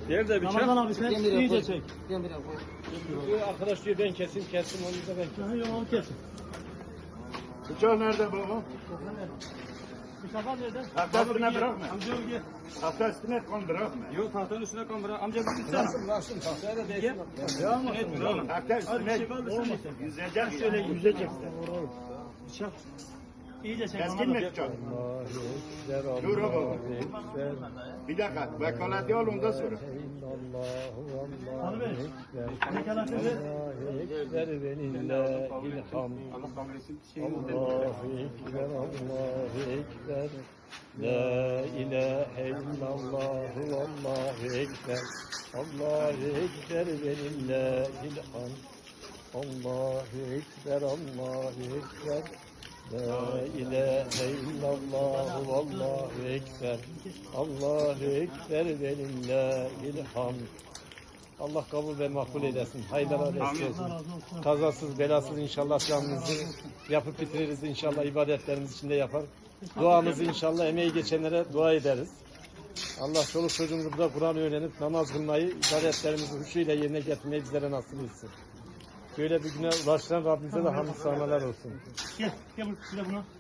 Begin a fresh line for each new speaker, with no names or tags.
Nerede bıçak?
Ramazan abi sen iyice çek.
Bu arkadaş diyor ben kesin onu da ben kesin.
Yok onu kesin.
Bıçak nerede baba?
Bıçaklar nerede?
Tahta üstüne bırakma.
Amca gel.
Tahta üstüne kon bırakma.
Yok tahtanın üstüne kan bırak. Amca bir tutsan. Bıraksın tahtaya da değsin.
Devam et.
Etmiyor oğlum.
Tahta üstüne yüzecek şöyle yüzeceksin.
Bıçak. İyice çek.
Keskin mi bıçak? Dur o baba. Bir dakika. Vekaleti al ondan sonra.
Hanım Bey. Vekaletini ver.
Ekber ve lillahil hamd. Allahu ekber, Allahu ekber. La ilahe illallah, Allahu ekber. Allahu ekber ve lillahil hamd. Allahu ekber, Allahu ekber. La ilahe illallah, Allahu ekber. Allahu ekber ve lillahil hamd. Allah kabul ve makbul eylesin. Hayırlara vesile olsun. Kazasız belasız inşallah camımızı yapıp bitiririz. İnşallah ibadetlerimiz içinde yapar. Duamızı inşallah emeği geçenlere dua ederiz. Allah çoluk çocuğumuzu da Kur'an öğrenip namaz kılmayı, ibadetlerimizi huşuyla yerine getirmeyi bizlere nasip etsin. Böyle bir güne ulaştıran Rabbimize de hamd sanalar olsun.
Gel. Gel bir de bunu.